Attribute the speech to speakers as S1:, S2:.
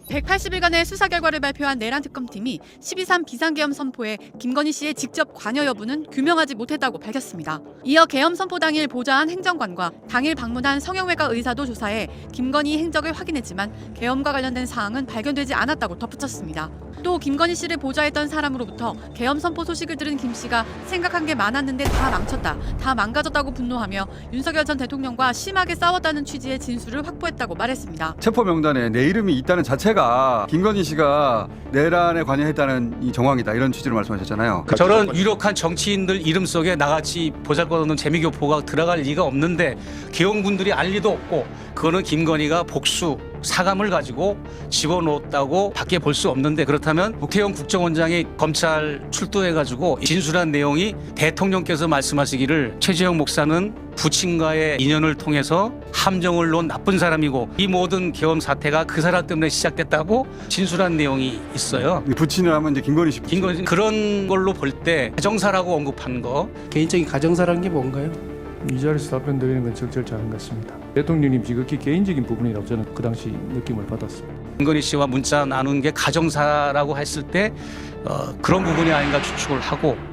S1: 180일간의 수사 결과를 발표한 내란 특검팀이 12.3 비상계엄 선포에 김건희 씨의 직접 관여 여부는 규명하지 못했다고 밝혔습니다. 이어 계엄 선포 당일 보좌한 행정관과 당일 방문한 성형외과 의사도 조사해 김건희 행적을 확인했지만 계엄과 관련된 사항은 발견되지 않았다고 덧붙였습니다. 또 김건희 씨를 보좌했던 사람으로부터 계엄 선포 소식을 들은 김 씨가 생각한 게 많았는데 다 망쳤다, 다 망가졌다고 분노하며 윤석열 전 대통령과 심하게 싸웠다는 취지의 진술을 확보했다고 말했습니다.
S2: 체포 명단에 내 이름이 있다는 자체가 김건희 씨가 내란에 관여했다는 이 정황이다, 이런 취지로 말씀하셨잖아요.
S3: 저런 유력한 정치인들 이름 속에 나같이 보잘것없는 재미교포가 들어갈 리가 없는데 계엄군들이 알 리도 없고, 그거는 김건희가 복수 사감을 가지고 집어넣었다고 밖에 볼 수 없는데, 그렇다면 국회의원 국정원장이 검찰 출두해가지고 진술한 내용이 대통령께서 말씀하시기를 최재형 목사는 부친과의 인연을 통해서 함정을 놓은 나쁜 사람이고 이 모든 계엄 사태가 그 사람 때문에 시작됐다고 진술한 내용이 있어요.
S2: 부친을 하면 이제 김건희 씨.
S3: 김건희 그런 걸로 볼 때 가정사라고 언급한 거.
S4: 개인적인 가정사라는 게 뭔가요?
S5: 이 자리에서 답변드리는 건 적절치 않은 것 같습니다. 대통령님 지극히 개인적인 부분이라고 저는 그 당시 느낌을 받았습니다.
S3: 김건희 씨와 문자 나눈 게 가정사라고 했을 때 그런 부분이 아닌가 추측을 하고,